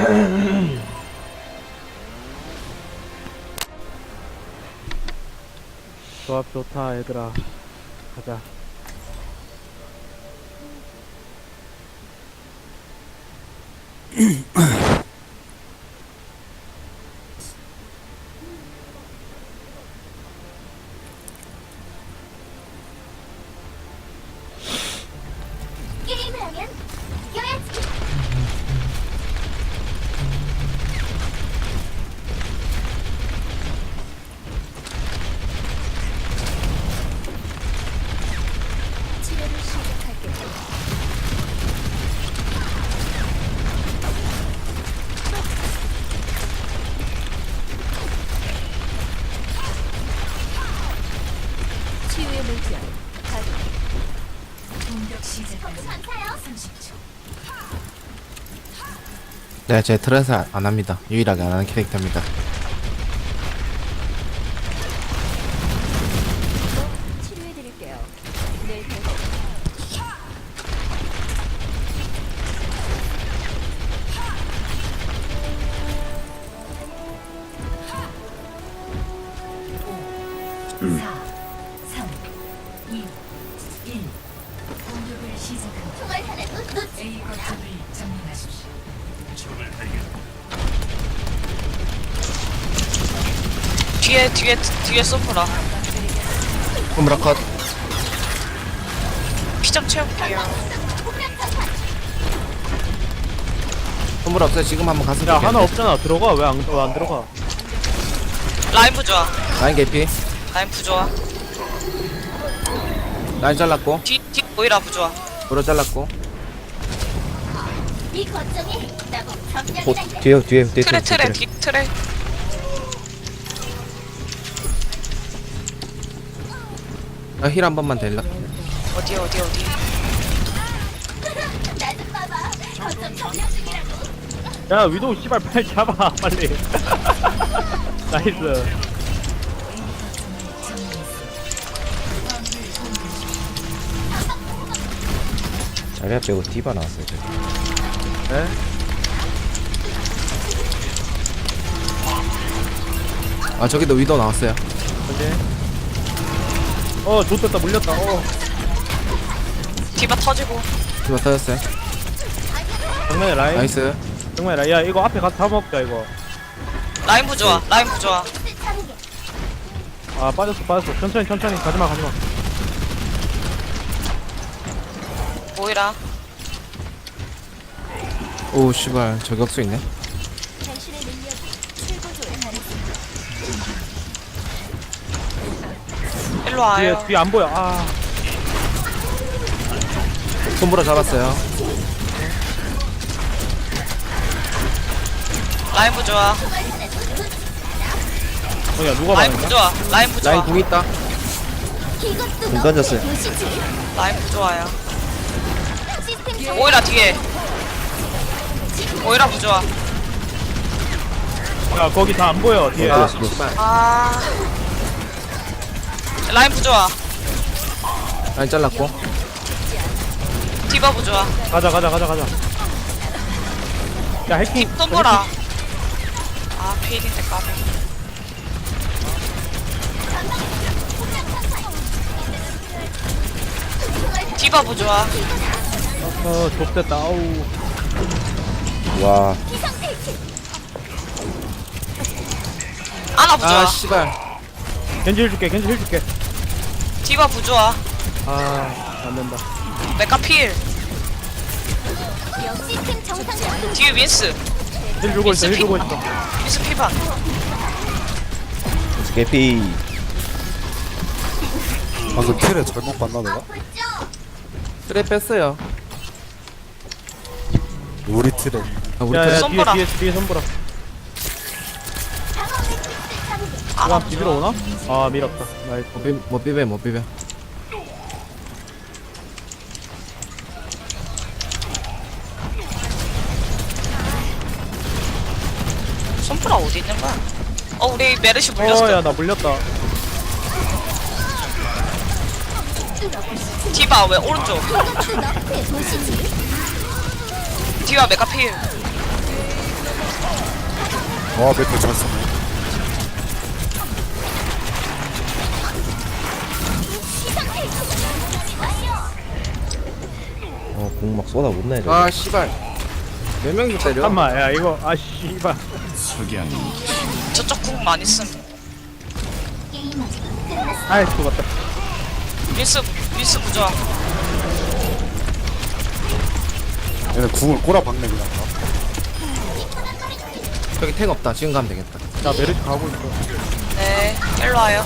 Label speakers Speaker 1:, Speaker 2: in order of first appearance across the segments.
Speaker 1: 조합 좋다 얘들아. 가자.
Speaker 2: 게임을 하면 이겨야지. 치료를 시작할게. 치유의 물결 가동. 공격 시작까지 30초.
Speaker 3: 네, 제 트랜스 안 합니다. 유일하게 안 하는 캐릭터입니다.
Speaker 2: 치료해드릴게요. 네, 총알탄을 놓치.
Speaker 4: 뒤에 쏘프라.
Speaker 3: 홈브라 컷.
Speaker 4: 피 좀 채울게요.
Speaker 3: 홈브라 없어요. 지금 한번 갔으면
Speaker 1: 야
Speaker 3: 좋겠는데.
Speaker 1: 하나 없잖아. 들어가. 왜 안 들어가?
Speaker 4: 라인 부좋아.
Speaker 3: 라인 개피.
Speaker 4: 라인 부좋아.
Speaker 3: 라인 잘랐고.
Speaker 4: 뒤 보이라 부좋아.
Speaker 3: 브로 잘랐고.
Speaker 2: 이 거점이 나보고
Speaker 3: 보,
Speaker 2: 점령이란다.
Speaker 3: 뒤에
Speaker 4: 트레 뒤 트레.
Speaker 3: 힐 한 번만 댈라.
Speaker 4: 어디.
Speaker 2: 나 좀 봐봐. 거점 점령 중이라고.
Speaker 1: 야 위도우 씨발 빨리 잡아 빨리. 나이스.
Speaker 3: 자리야 빼고 디바 나왔어요. 저기.
Speaker 1: 네?
Speaker 3: 아 저기도 위도 나왔어요.
Speaker 1: 어디? 좋됐다 물렸다.
Speaker 4: 디바 터지고.
Speaker 3: 디바 터졌어요.
Speaker 1: 정면에 라인.
Speaker 3: 나이스.
Speaker 1: 정면에 라인. 야 이거 앞에 가서 다 먹자 이거.
Speaker 4: 라인 부좋아. 라인 부좋아.
Speaker 1: 아 빠졌어. 천천히 가지마.
Speaker 4: 보이라.
Speaker 3: 오 씨발 저격수 있네.
Speaker 2: 당신의 능력이 최고조에 달했습니다.
Speaker 4: 일로 와요.
Speaker 1: 뒤에 안 보여. 아
Speaker 3: 홈브라 잡았어요.
Speaker 4: 라인 부좋아.
Speaker 1: 야 누가
Speaker 4: 라인
Speaker 1: 말했냐?
Speaker 4: 부좋아. 라인 부좋아.
Speaker 3: 라인 궁 있다.
Speaker 2: 이것도
Speaker 3: 공 던졌어요.
Speaker 2: 보시지.
Speaker 4: 라인 부좋아요.
Speaker 2: 시스템 정
Speaker 4: 보이라 뒤에. 보이라 부좋아.
Speaker 1: 야 거기 다 안 보여 뒤에.
Speaker 3: 아 씨발.
Speaker 4: 아. 라인 부좋아.
Speaker 3: 라인 잘랐고.
Speaker 4: 디바 부좋아.
Speaker 1: 가자. 야 해킹.
Speaker 4: 쏜거라. 아 피해인데 까비. 디바 부좋아.
Speaker 1: 좁됐다. 아우.
Speaker 3: 와.
Speaker 4: 아나 부좋아.
Speaker 3: 아 씨발.
Speaker 1: 겐지 힐 줄게.
Speaker 4: 디바 부좋아.
Speaker 1: 아 안된다.
Speaker 4: 메카 필.
Speaker 2: 시스템 정상.
Speaker 4: 뒤에 윈스.
Speaker 1: 힐 주고 있어.
Speaker 4: 윈스 피반.
Speaker 3: 개피.
Speaker 5: 방금 킬에 잘못 봤나 내가?
Speaker 3: 트랩 뺐어요.
Speaker 5: 우리 틀에
Speaker 3: 아, 우리
Speaker 1: 야야
Speaker 3: 트랩.
Speaker 4: 손보라.
Speaker 1: 뒤에 손보라.
Speaker 4: 아나
Speaker 1: 아 비비러 오나? 아 밀었다. 나이스.
Speaker 3: 못 비벼.
Speaker 4: 손프라 어디 있는 거야? 우리 메르시 물렸어.
Speaker 1: 야 나 물렸다.
Speaker 4: 디바 왜 오른쪽?
Speaker 2: 이것도 너프의 도시지.
Speaker 4: 디바 메카 필.
Speaker 5: 와 메트 잘 쓰네.
Speaker 6: 공막 쏟아 못 내죠.
Speaker 3: 아 씨발 몇 명이 때려?
Speaker 1: 잠깐만 야 이거 아 씨발
Speaker 4: 저쪽 궁 많이 쓴.
Speaker 2: 게임 아직 끝났어.
Speaker 1: 아이 죽었다
Speaker 4: 밀스 부조화.
Speaker 5: 얘네 궁을 꼬라박네 그냥.
Speaker 3: 여기 탱 없다. 지금 가면 되겠다.
Speaker 1: 나 메르시 가고 있어
Speaker 4: 네, 일로 와요.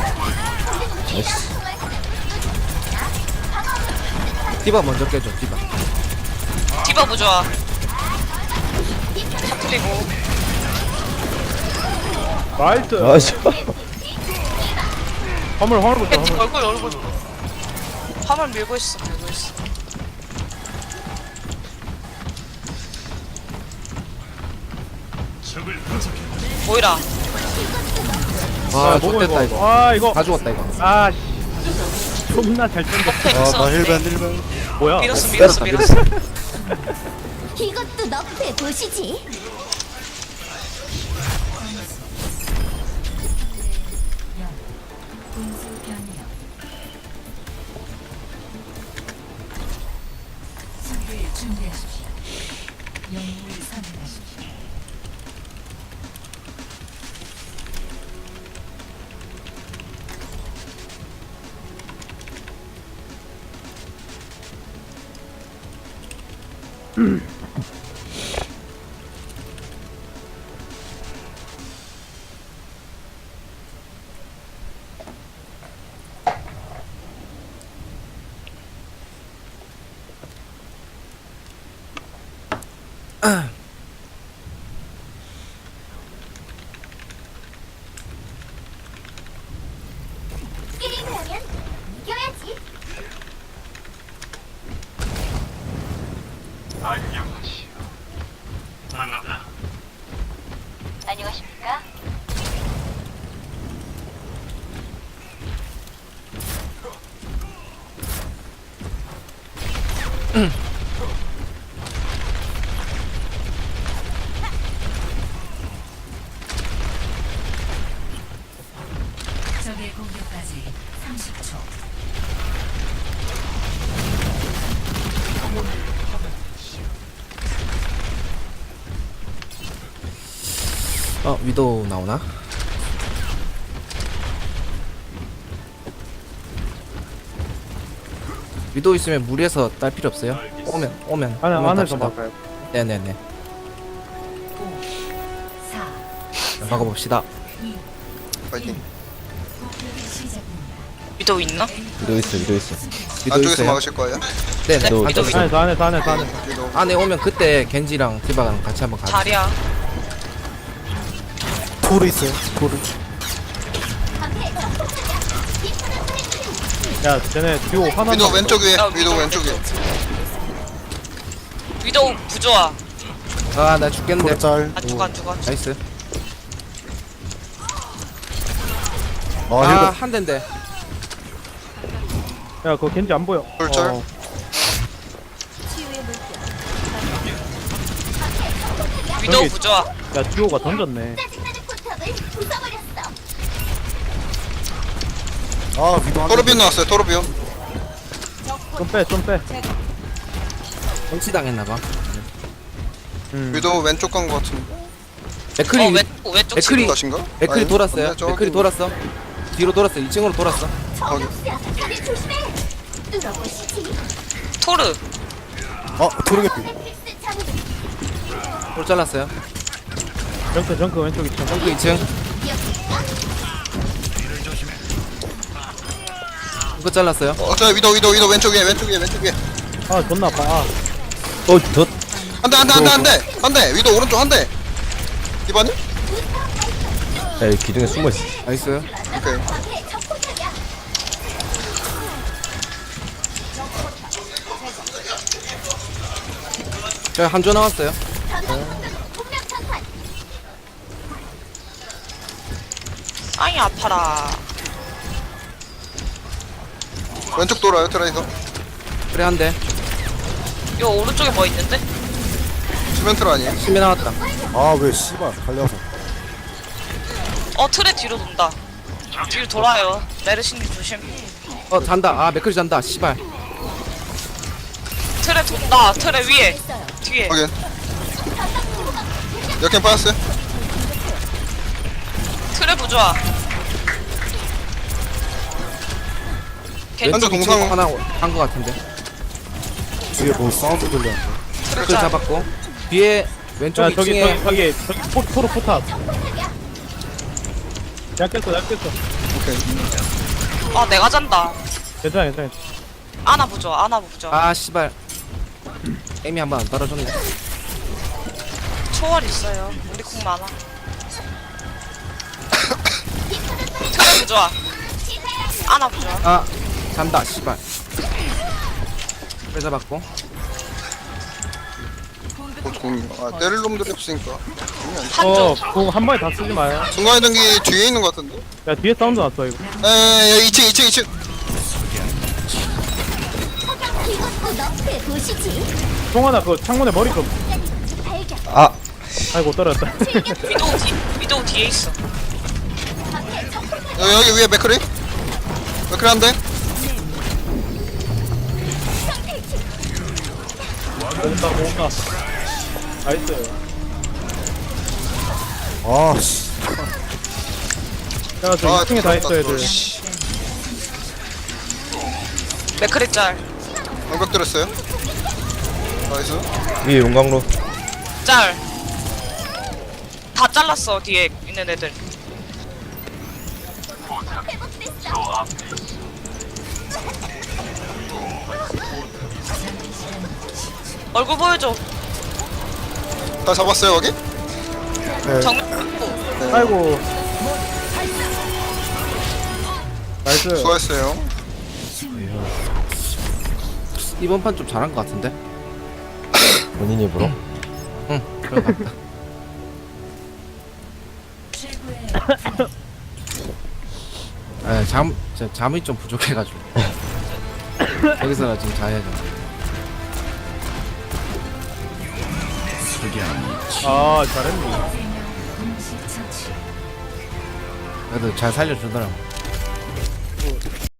Speaker 3: 디바 먼저 깨줘. 디바.
Speaker 4: 디바 부조화. 터뜨리고.
Speaker 1: 나이스
Speaker 6: 아, 씨.
Speaker 1: 화물 보자
Speaker 4: 팬티
Speaker 1: 화물
Speaker 4: 얼굴. 화물 밀고 있어. 모이라.
Speaker 3: 아
Speaker 1: 뭐고,
Speaker 3: 좋됐다 이거.
Speaker 1: 아 이거
Speaker 3: 다 죽었다 이거.
Speaker 1: 아씨 존나 잘 던졌어
Speaker 4: 팩
Speaker 5: 아나
Speaker 4: 있었는데.
Speaker 5: 1벤.
Speaker 1: 뭐야
Speaker 4: 밀었어.
Speaker 2: 이것도 너프의 도시지. 게임을 하면 이겨야지. 안녕하십니까?
Speaker 7: 적의 공격까지 30초.
Speaker 3: 위도우 나오나? 위도우 있으면 무리해서 딸 필요 없어요. 오면
Speaker 1: 안에서
Speaker 3: 답시다.
Speaker 1: 막아요
Speaker 3: 네네네.
Speaker 7: 4,
Speaker 3: 막아봅시다.
Speaker 8: 파이팅.
Speaker 7: 공격이 시작됩니다.
Speaker 4: 위도 있나?
Speaker 6: 위도 있어, 위도 있어.
Speaker 3: 위도우
Speaker 8: 안쪽에서
Speaker 3: 있어요?
Speaker 8: 막으실 거예요?
Speaker 3: 네네.
Speaker 7: 어,
Speaker 3: 안쪽에 있어요.
Speaker 1: 안에서
Speaker 8: 위도.
Speaker 3: 안에 오면 그때 겐지랑 디바랑 같이 한번 가자.
Speaker 4: 자리야.
Speaker 5: 토르 있어요. 토르.
Speaker 1: 야 쟤네 듀오 하나
Speaker 8: 위도 왼쪽 위에.
Speaker 4: 야,
Speaker 8: 위도 왼쪽 위에.
Speaker 4: 위도 부조화.
Speaker 3: 나 죽겠는데.
Speaker 5: 토르 짤.
Speaker 4: 안 죽어.
Speaker 3: 나이스.
Speaker 5: 아
Speaker 3: 아,
Speaker 5: 1벤.
Speaker 3: 한 대인데.
Speaker 1: 야 그거 겐지 안 보여
Speaker 8: 쫄쫄.
Speaker 2: 치유의 물결.
Speaker 4: 위도
Speaker 1: 여기-
Speaker 4: 부조화.
Speaker 1: 야 듀오가 던졌네
Speaker 2: 짜증나는 포탑을 부숴버렸어.
Speaker 5: 아 위도 한
Speaker 8: 토르비온 나왔어요. 토르비온.
Speaker 1: 좀빼
Speaker 3: 정치 당했나봐.
Speaker 8: 위도 왼쪽 간 거 같은데.
Speaker 3: 맥크리
Speaker 4: 왼쪽
Speaker 3: 맥크리-
Speaker 4: 치고.
Speaker 8: 것인가?
Speaker 3: 맥크리
Speaker 8: 아니,
Speaker 3: 돌았어요.
Speaker 8: 근데 저기
Speaker 3: 맥크리 돌았어. 뒤로 돌았어. 2층으로 돌았어.
Speaker 2: 정육수야. 다들 조심해. 뚫어보시지.
Speaker 4: 토르.
Speaker 5: 토르 개피.
Speaker 2: 넷플릭스 장르.
Speaker 3: 돌 잘랐어요.
Speaker 1: 정크 왼쪽 있죠
Speaker 3: 정크 2층. 이거 잘랐어요.
Speaker 8: 저 위도 왼쪽 위에.
Speaker 1: 아 존나 아파 아
Speaker 6: 더.
Speaker 8: 한 대. 위도 오른쪽 한 대. 이반님?
Speaker 6: 야, 여기 기둥에 숨어 있어.
Speaker 3: 나이스.
Speaker 8: 오케이.
Speaker 2: 앞에 적포탑이야.
Speaker 3: 저 한조 나왔어요.
Speaker 2: 공략 전환.
Speaker 4: 아이 아파라.
Speaker 8: 왼쪽 돌아요. 트라이서.
Speaker 3: 그래 한 대.
Speaker 4: 요 오른쪽에 뭐 있는데?
Speaker 8: 수면트라 아니에요?
Speaker 3: 심해 나왔다.
Speaker 5: 아 왜 씨발 갈려서.
Speaker 4: 트레 뒤로 돈다. 뒤로 돌아요. 메르시님 조심.
Speaker 3: 잔다. 아 맥클이 잔다. 씨발.
Speaker 4: 트레 돈다. 트레 위에. 뒤에.
Speaker 8: 확인. 역행 빠졌어요.
Speaker 4: 트레 부조화.
Speaker 8: 한조
Speaker 4: 겐지
Speaker 8: 동상.
Speaker 3: 하나 한 거 같은데.
Speaker 5: 뒤에 뭐 사운드 들렸는데.
Speaker 4: 트레
Speaker 3: 맥클
Speaker 4: 짤.
Speaker 3: 잡았고. 뒤에 왼쪽
Speaker 1: 야 저기
Speaker 3: 2층에
Speaker 1: 저기 포로 포탑. 야 깼어.
Speaker 8: 오케이.
Speaker 4: 아 내가 잔다.
Speaker 1: 괜찮아.
Speaker 4: 아나 부조화. 아나 부조화.
Speaker 3: 아 씨발. 에임이 한 번 안 떨어졌네.
Speaker 4: 초월 있어요. 우리 궁 많아. 트레 부조화. 아나 부조화.
Speaker 3: 아 잔다. 씨발. 맥클 잡았고.
Speaker 8: 공이. 아, 때릴 놈들이 없으니까.
Speaker 4: 한조.
Speaker 1: 한 번에 다 쓰지 마요.
Speaker 8: 중간에 등기 뒤에 있는 것 같은데?
Speaker 1: 야 뒤에 사운드 났어 이거.
Speaker 8: 에, 2층.
Speaker 2: 이것도 너프에 보시지.
Speaker 1: 송하나 그 창문에 머리 좀.
Speaker 2: 발견.
Speaker 6: 아
Speaker 1: 아이고 떨어졌다.
Speaker 4: 위도우 뒤에 있어.
Speaker 2: 앞에 적폭탄.
Speaker 8: 여기 위에 맥크리? 맥크리 한 대?
Speaker 1: 모은다. 나이스.
Speaker 5: 아, 씨.
Speaker 1: 야 저 2층에 다 있어 애들.
Speaker 4: 맥크리 짤.
Speaker 8: 방벽 들었어요. 나이스.
Speaker 6: 위에 용광로.
Speaker 4: 짤. 다 잘랐어 뒤에 있는 애들. 얼굴 보여줘.
Speaker 8: 다 잡았어요, 거기?
Speaker 4: 정면.
Speaker 1: 아이고. 나이스.
Speaker 8: 수고했어요.
Speaker 3: 이번 판 좀 잘한 거 같은데.
Speaker 6: 본인 입으로.
Speaker 3: 응. 그런 거 같다. 에 잠이 좀 부족해가지고. 여기서 지금 자야죠.
Speaker 1: 아 잘했네.
Speaker 7: 공식 처치.
Speaker 3: 그래도 잘 살려주더라고.